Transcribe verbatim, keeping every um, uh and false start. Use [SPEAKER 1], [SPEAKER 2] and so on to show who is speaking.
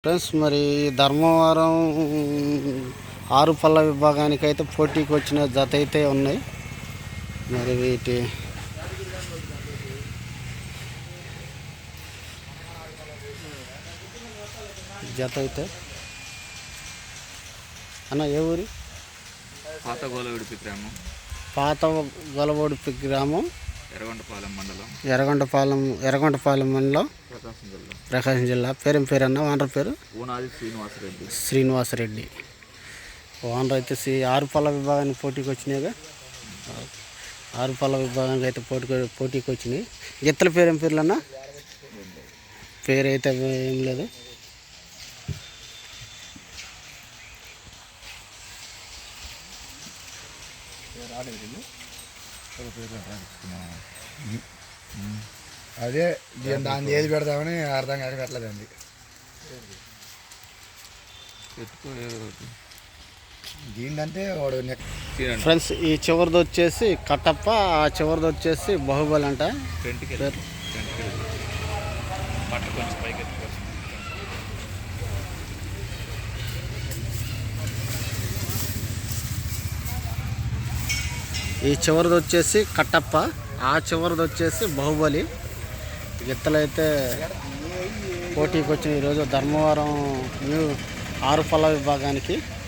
[SPEAKER 1] Friends, మరి ధర్మవరం ఆరు పళ్ళ విభాగానికి అయితే పోటీకి వచ్చిన జత అయితే ఉన్నాయి. మరి వీటి జత అయితే అన్న ఏ ఊరి?
[SPEAKER 2] పాత గోలవడిపి గ్రామం
[SPEAKER 1] పాత గొలవోడిపి గ్రామం
[SPEAKER 2] ఎర్రగొండపాలెం మండలం
[SPEAKER 1] ఎర్రగొండపాలెం ఎర్రగొండపాలెం మండలం
[SPEAKER 2] ప్రకాశం జిల్లా
[SPEAKER 1] ప్రకాశం జిల్లా. పేరేం పేరు అన్న? ఓనర్ పేరు
[SPEAKER 2] ఊనాది శ్రీనివాసరెడ్డి.
[SPEAKER 1] శ్రీనివాసరెడ్డి ఓనర్ అయితే సి ఆరు పళ్ళ విభాగానికి పోటీకి వచ్చినాయిగా. ఆరు పళ్ళ విభాగానికి అయితే పోటీ పోటీకి వచ్చినాయి. గిత్తల పేరేం పేర్లు అన్న? పేరు అయితే ఏం లేదు.
[SPEAKER 3] అదే దాన్ని ఏది పెడతామని అర్థం కాక పెట్టలేదండి. దీనికంటే వాడు
[SPEAKER 1] ఫ్రెండ్స్, ఈ చివరిది వచ్చేసి కట్టప్ప, ఆ చివరిది వచ్చేసి బాహుబలి అంట. ఈ చివరిది వచ్చేసి కట్టప్ప, ఆ చివరిది వచ్చేసి బాహుబలి. గిత్తలైతే పోటీకి వచ్చిన ఈరోజు ధర్మవరం న్యూ ఆరు పళ్ళ విభాగానికి.